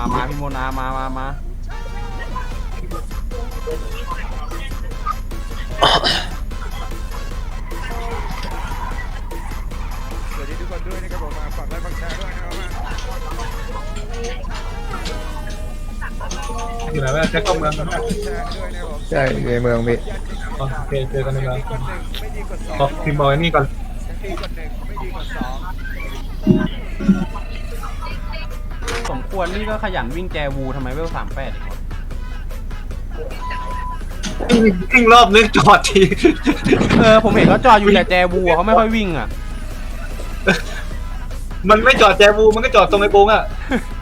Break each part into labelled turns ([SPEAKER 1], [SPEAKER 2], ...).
[SPEAKER 1] มาพี่โมนามา
[SPEAKER 2] สวัสดีทุกคนด้วยนะครับผมมาฝากไลค์ฝากแชร์ด้วยนะครับ
[SPEAKER 3] อยู่ไหนวะแจ็คเข้าเมืองกันไหม
[SPEAKER 2] แชร์ด้วยนะครับผม
[SPEAKER 4] ใช่ในเมืองพี่
[SPEAKER 3] โอเคเจอกันในเมือง
[SPEAKER 2] กดหนึ่งไม่ดีกดสอง
[SPEAKER 3] ขอพิมพ์บอยนี่ก่อน
[SPEAKER 2] ดีกดหนึ่งไม่ดีกดสอง
[SPEAKER 1] สมควรนี่ก็ขยันวิ่งแจวูทำไมเวล38อีกวะ
[SPEAKER 3] วิ่งรอบนึกจอดที
[SPEAKER 1] ผมเห็นเขาจอดอยู่แต่แจวูเขาไม่ค่อยวิ่งอ่ะ
[SPEAKER 3] มันไม่จอดแจวูมันก็จอดตรงไอ้โป้งอ่ะ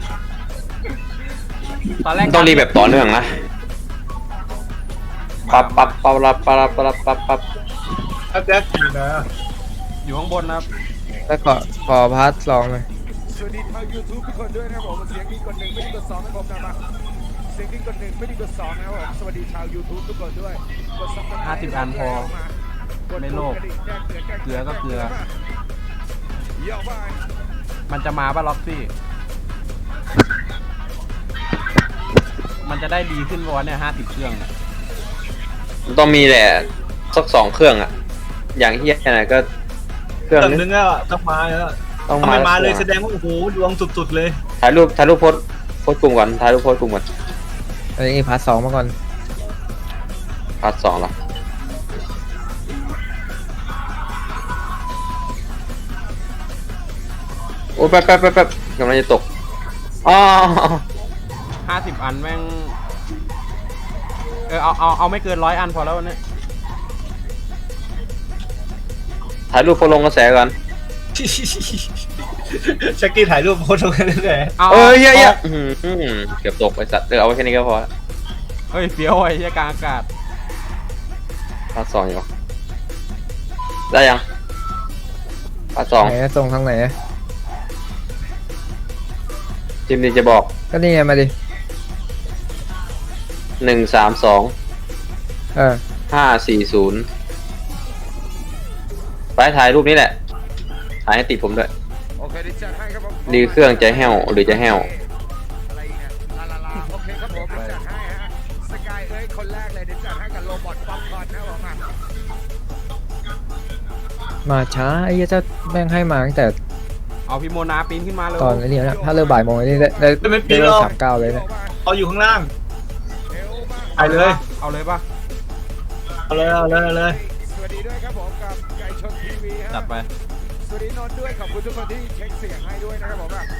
[SPEAKER 1] ตอนแรก
[SPEAKER 5] ต้องรีบแบบต่อเนื่องนะปั๊บ
[SPEAKER 3] ถ้าแจ็คอยู่นะ
[SPEAKER 1] อยู่ข้างบนนะครับ
[SPEAKER 4] แล้วขอพาร์ท2เลย
[SPEAKER 2] สวัสดีทาง YouTube ทุกคนด้วยนะครับผมเสียงดีกดหนึ่งไม่ดีกดสองนะครับผมนะเสียงดีกดหนึ่งไม่ดีกดสองนะครับผมสวัสดีชาว YouTube ทุกคนด้วยกดซับสไครบ์
[SPEAKER 1] 50 อันพอไม่โลภเกลือก็เกลือ
[SPEAKER 2] เยอะไป
[SPEAKER 1] มันจะมาป่ะล็อกซี่ มันจะได้ดีขึ้นวันเนี่ย50 เครื่องเนี่ย
[SPEAKER 5] ต้องมีแหละสัก2 เครื่องอ่ะ อย่างเฮียไหนก็เครื่อง
[SPEAKER 3] เติม
[SPEAKER 5] นึ
[SPEAKER 3] นึ
[SPEAKER 5] ง
[SPEAKER 3] งแล้วต้องมาแล้ว
[SPEAKER 5] ต้อง
[SPEAKER 3] ทำไมมาเลย
[SPEAKER 5] สั
[SPEAKER 3] แส
[SPEAKER 5] ก
[SPEAKER 3] ดงว่าโอ้โหดวงสุดๆเลย
[SPEAKER 5] ถ่ายรูปโพสต์กลุ่มก่อนถ่ายรูปโพสต์กลุ่มก่อน
[SPEAKER 4] อันนี้พาร์ท2มาก่อน
[SPEAKER 5] พาร์ท 2เหรอโอ้ยแป๊บกำลังจะตกอ๋อ
[SPEAKER 1] 50 อันแม่งเอาไม่เกิน100 อันพอแล้ววันนี้
[SPEAKER 5] ถ่ายรูปโพสต์ลงกระแสก่อน
[SPEAKER 3] แจ็คกี้ถ่ายรูปโพสต์ลงไปเรื่อย
[SPEAKER 1] เอา
[SPEAKER 5] เอ้ยเหี้ย
[SPEAKER 1] อา
[SPEAKER 5] เกือบตกไอ้สัตว์เอาไว้แค่นี้ก็พอละ
[SPEAKER 1] เฮ้ยเฟี้ยวไอ้เหี้ยกลางอากาศ
[SPEAKER 5] พาร์ท 2อยู่ได้ยังพาร์ท
[SPEAKER 4] ไหนส่งทางไหน
[SPEAKER 5] 2จิมดีจะบอก
[SPEAKER 4] ก็นี่ไงมาดิ
[SPEAKER 5] 132
[SPEAKER 4] เออ
[SPEAKER 5] 540ไปถ่ายรูปนี้แหละ ถ่ายให้ติดผมด้วย
[SPEAKER 2] โอเคดิจัดให้ครับผม
[SPEAKER 5] ดีเครื่องจะแห้วหรือจะแห้ว
[SPEAKER 2] อะไรอีกเนี่ยลาโอเคครับผมดิจัดให้ฮะสกายเอ้ยคนแรกเลยดิจัดให้กับโรบอทป๊อปคอร์นนะครับผม
[SPEAKER 4] มาช้าไอ้เหี้ยเจ้าแม่งให้มาตั้งแต่
[SPEAKER 1] เอาพี่โมนาปีนขึ้นมาเลย
[SPEAKER 4] ตอนนี้นะถ้าเริ่มบ่ายโมงนี่ได้เริ่ม39เลยเนี่ย
[SPEAKER 3] ๆเอาอยู่ข้างล่าง
[SPEAKER 2] เอวมา
[SPEAKER 3] ไปเลย
[SPEAKER 1] เอาเลยป่ะ
[SPEAKER 3] เอาเลย
[SPEAKER 2] สวัสดีด้วยครับผมกับไก่ชนทีวีฮะ
[SPEAKER 1] จัดไป
[SPEAKER 2] สวัสดีนนท์ด้วยขอบคุณทุกคนที่เช็คเสียงให้ด้วยนะครับผมอ่ะ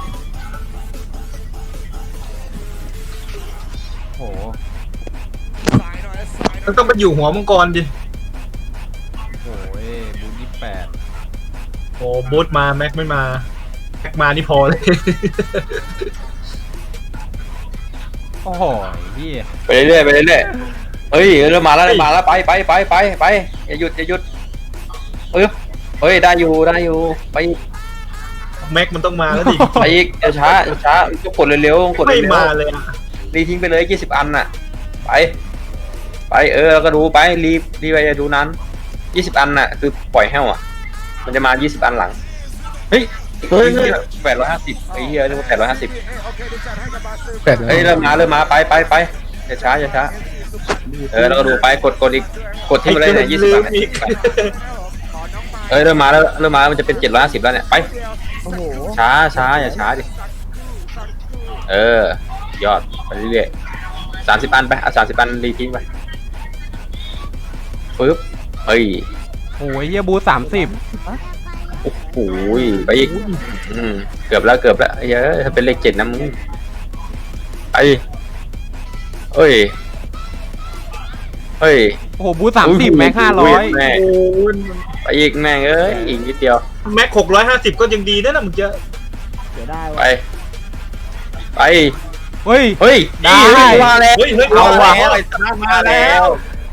[SPEAKER 1] โห
[SPEAKER 2] สายหน่อยสายหน่
[SPEAKER 3] มั
[SPEAKER 2] อน ย
[SPEAKER 3] ต้องไปอยู่หัวมังกรดิ
[SPEAKER 1] โอ้ยบู28
[SPEAKER 3] โอ้บูธมาแม็กไม่มาแม็กมานี่พอเลย
[SPEAKER 1] โอ้โหพี่
[SPEAKER 5] ไปเรื่อยเฮ้ยเริ่มมาแล้วไปอย่าหยุดเฮ้ยได้อยู่ไปอีก
[SPEAKER 3] แม็กมันต้องมาแล้วดิ
[SPEAKER 5] ไปอีกอย่าช้าก็กดเร็วๆกด
[SPEAKER 3] ไม่
[SPEAKER 5] เร็ว
[SPEAKER 3] มาเลยอะ
[SPEAKER 5] รีทิ้งไปเลย20 อันน่ะไปแล้วก็ดูไปรีไปอย่าดูนั้น20 อันน่ะคือปล่อยแห้วอ่ะมันจะมา20 อันหลังเฮ้ย850ไอ้เหี้ยเรียกว่า850
[SPEAKER 2] โอเคดิจัดให้กับบาสเตอร์
[SPEAKER 4] เป็ดเล
[SPEAKER 5] เฮ้ย
[SPEAKER 4] ย
[SPEAKER 5] เริ่มมาไปอย่าช้าแล้วก็ดูไปกดอีกกดที่มาเลยเนี่ย20 อัน
[SPEAKER 3] อีก
[SPEAKER 5] เริ่มมามันจะเป็น750แล้วเนี่ยไป
[SPEAKER 2] โอ้โห
[SPEAKER 5] ช้าอย่าช้าดิยอดไปเรื่อยๆ30 อันไปเอา30 อันรีทิ้งไปปึ๊บเฮ้ย
[SPEAKER 1] โอ้ยเฮียบู30
[SPEAKER 5] โอ้โหไปอีกเกือบแล้วเยอะถ้าเป็นเลข7นะมึงไปเฮ้ย
[SPEAKER 1] โอ้โหบู30แม็ก500
[SPEAKER 5] แม่ไปอีกแม่งอีกนิดเดียว
[SPEAKER 3] แม็ก650ก็ยังดีนะมึงจะ
[SPEAKER 1] เดี๋ยวได้
[SPEAKER 5] ไป
[SPEAKER 1] เฮ้ย
[SPEAKER 5] เฮ้ย
[SPEAKER 1] ได้
[SPEAKER 5] มาแล้ว
[SPEAKER 3] เฮ้ย
[SPEAKER 5] เอาว่ะ
[SPEAKER 3] มาแล้ว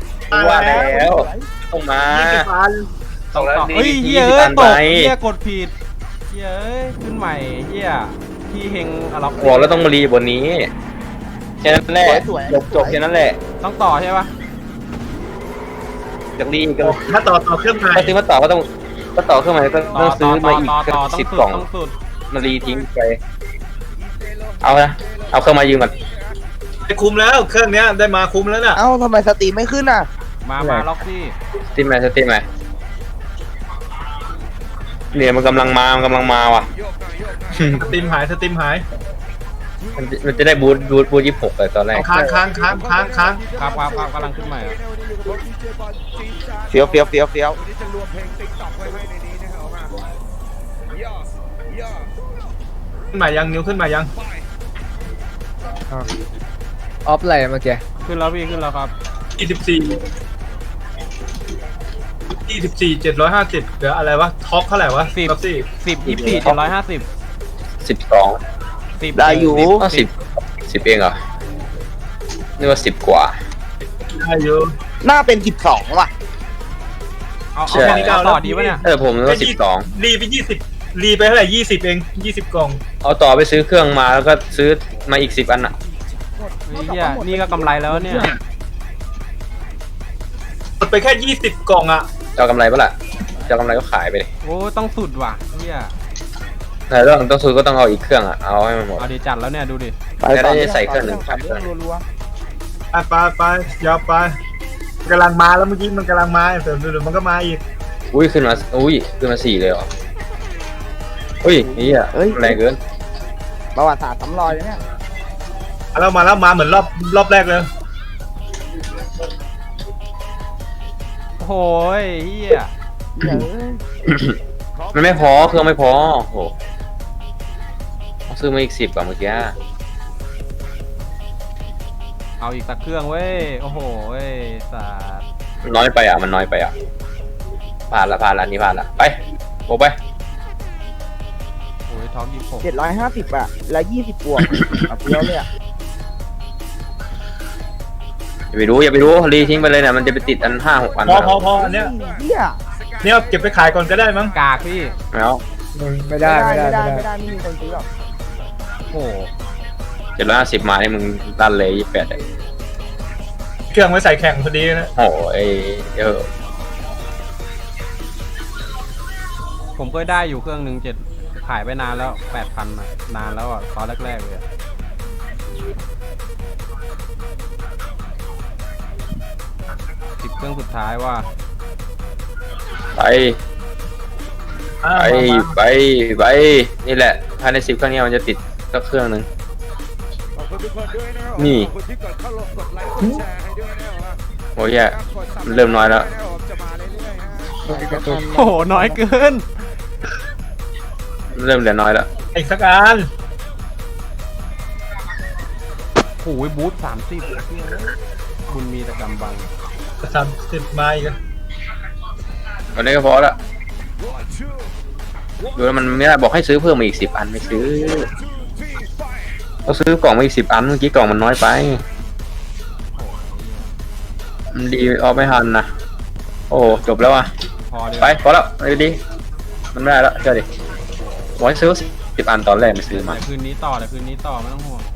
[SPEAKER 5] ต้องมา
[SPEAKER 3] 20 อัน
[SPEAKER 5] ต้องแล้ว
[SPEAKER 1] เฮ้ยเฮีย
[SPEAKER 5] 20 อัน
[SPEAKER 1] ต
[SPEAKER 5] ไป
[SPEAKER 1] กเฮียกดผิดเฮียขึ้นใหม่เฮียพี่เฮงอะล็อก
[SPEAKER 5] บอกแล้วต้องมารีบนนี้แค่นั้นแหละจบแค่นั้นแหละ
[SPEAKER 1] ต้องต่อใช่ปะ
[SPEAKER 5] จากรีก็
[SPEAKER 3] ถ้าต่อเครื่องใหม่
[SPEAKER 5] ถ้าซื้อมาต่อก็ต้องต่อเครื่องใหม่ก็
[SPEAKER 1] ต่อ
[SPEAKER 5] ต้องซื้อมาอีก
[SPEAKER 1] ต่อต้อง
[SPEAKER 5] 10
[SPEAKER 1] สุด
[SPEAKER 5] กล่อง
[SPEAKER 1] ต้องสุด
[SPEAKER 5] มารีทิ้งไปเอาละเอาเครื่องมายืมก่อน
[SPEAKER 3] ได้คุมแล้วเครื่องเนี้ยได้มาคุมแล้วน่ะ
[SPEAKER 6] เอ้าทำไมสตรีมไม่ขึ้นอ่ะ
[SPEAKER 1] มาล็อกซี่
[SPEAKER 5] สตรีมไหมสตรีมไหมเนี่ยมันกำลังมาว่ะ
[SPEAKER 2] โยกหน่อยโยกหน่อย
[SPEAKER 3] สตรีมหายสตรีมหาย
[SPEAKER 5] มันจะได้บูท26เลยตอนแรก
[SPEAKER 3] ค้าง
[SPEAKER 1] ครับกำลังขึ้นใหม่ครับ
[SPEAKER 2] วันนี้อยู่กับผมดีเจบอลจีนจ้า
[SPEAKER 6] เฟี้ยวเฟี้ยวเฟี้ยวเฟี้ยว
[SPEAKER 2] วันนี้จะรวมเพลงติ๊กต็อกไว้ให้ในนี้นะครับออกมาย่อย่อ
[SPEAKER 3] ขึ้นมายังนิ้วขึ้นมายัง
[SPEAKER 2] ไป
[SPEAKER 4] ออฟอะไรเมื่อกี้
[SPEAKER 1] ขึ้นแล้วพี่ขึ้นแล้วครับ
[SPEAKER 3] 24 750เหลืออะไรวะท็อปเท่าไหร่วะ
[SPEAKER 1] 10
[SPEAKER 3] ท็อปสี่
[SPEAKER 1] 10 24 750
[SPEAKER 5] 12
[SPEAKER 1] 10
[SPEAKER 6] ได้อยู่
[SPEAKER 5] ก็10เองเหรอนี่ว่า10 กว่า
[SPEAKER 3] ได้อยู่
[SPEAKER 6] น่าเป็น12ว่ะ
[SPEAKER 1] เอา
[SPEAKER 5] ใช่
[SPEAKER 1] แค่นี้ต่อดีปะเนี่ย
[SPEAKER 5] ผมนึกว่า12
[SPEAKER 3] รีไป20รีไปเท่าไหร่20เอง20กล่อง
[SPEAKER 5] เอาต่อไปซื้อเครื่องมาแล้วก็ซื้อมาอีก10 อันอ่ะ
[SPEAKER 1] เฮียนี่ก็กำไรแล้วเนี่ย
[SPEAKER 3] หมดไปแค่20กล่องอ่ะ
[SPEAKER 5] จะเอากำไรปะล่ะจะเอากำไรก็ขายไปเลย
[SPEAKER 1] โอ้ต้องสุดว่ะเฮีย
[SPEAKER 5] แต่เรื่องต้องซื้อก็ต้องเอาอีกเครื่องอ่ะเอาให้มันหมด
[SPEAKER 1] เอาดีจัดแล้วเนี่ยดูดิ
[SPEAKER 6] ไป
[SPEAKER 5] จะได้ใส่เครื่องหนึ่ง
[SPEAKER 6] ต่อเรื่องรัว
[SPEAKER 3] ไปยาวไปกำลังมาแล้วเมื่อกี้มันกำลังมาเดี๋ยวมันก็มาอีก
[SPEAKER 5] อุ้ยขึ้นมา4เลยเหรออุ้ยนี่อ่ะแรงเกิน
[SPEAKER 6] ๆประวัติศาสตร์ซ้ำรอยเลยเนี่ย
[SPEAKER 3] มาแล้วมาเหมือนรอบแรกเลย
[SPEAKER 1] โอ้ยเฮีย
[SPEAKER 6] เดี๋ยว
[SPEAKER 5] มันไม่พอเครื่องไม่พอโอ้โหเอาซื้อมาอีก10กว่าเมื่อกี้
[SPEAKER 1] เอาอีกสักเครื่องเว้ยโอ้โหเว้ยสัส
[SPEAKER 5] มันน้อยไปอ่ะมันน้อยไปอ่ะผ่านละนี่ผ่านละไปโบไป
[SPEAKER 1] โอ้ยท้อง26
[SPEAKER 6] 750อ่ะแล้ว20บวกเอาเฟี้ยวเลยอ่ะ
[SPEAKER 5] อย่าไปดูรีทิ้งไปเลยเนี่ยมันจะไปติดอัน5-6 อัน
[SPEAKER 3] พออันเนี้ย
[SPEAKER 6] เหี้ย
[SPEAKER 3] เนี่ยเก็บไปขายก่อนก็ได้มั้ง
[SPEAKER 1] กากพี่
[SPEAKER 5] แล้ว
[SPEAKER 4] ไม่ได้ไม่ได้
[SPEAKER 6] ไม่มีคนซื้อหรอก
[SPEAKER 1] โอ้โห
[SPEAKER 5] 750มาให้มึงดันเลย28เลย
[SPEAKER 3] เครื่องไว้ใส่แข่งพอดีนะ
[SPEAKER 5] โอ้โห
[SPEAKER 1] ผมเคยได้อยู่เครื่องหนึ่งขายไปนานแล้ว 8,000อ่ะนานแล้วอ่ะตอนแรกๆเลยอะ10 เครื่องสุดท้ายว่า
[SPEAKER 5] ไปนี่แหละภายใน10 เครื่องนี้มันจะติดสักเครื่องนึง
[SPEAKER 2] ขอบคุณทุกคนด้วยนะครับ
[SPEAKER 5] นี่
[SPEAKER 2] ขอบคุณที่กดเข้าลงกดไลค์กดแชร์ให้ด้วยนะครับ
[SPEAKER 5] โอ้ยแย่มันเริ่มน้อยแล้ว
[SPEAKER 2] จะมาเรื่อยๆฮะ
[SPEAKER 1] โอ้โหน้อยเกิน
[SPEAKER 5] เริ่มเหลือน้อยแล้ว
[SPEAKER 3] อีกสักอัน
[SPEAKER 1] โอ้ยบูท30บุญมีแต่กำบัง
[SPEAKER 3] 30มาอีก
[SPEAKER 5] วันนี้ก็พอละดูแล้วมันไม่ได้บอกให้ซื้อเพิ่มมาอีก10 อันไม่ซื้อก็ซื้อกล่องมาอีก10 อันเมื่อกี้กล่องมันน้อยไปมันดีออกไม่ทันนะโอ้จบแล้วอ่ะ
[SPEAKER 1] พอเลย
[SPEAKER 5] ไปพอแล้วไปดีมันไม่ได้แล้วเชื่อดิบอกให้ซื้อ10 อันตอนแรกไม่ซื้อมา
[SPEAKER 1] เดี๋ยวคืนนี้ต่อไม่ต้องห่วง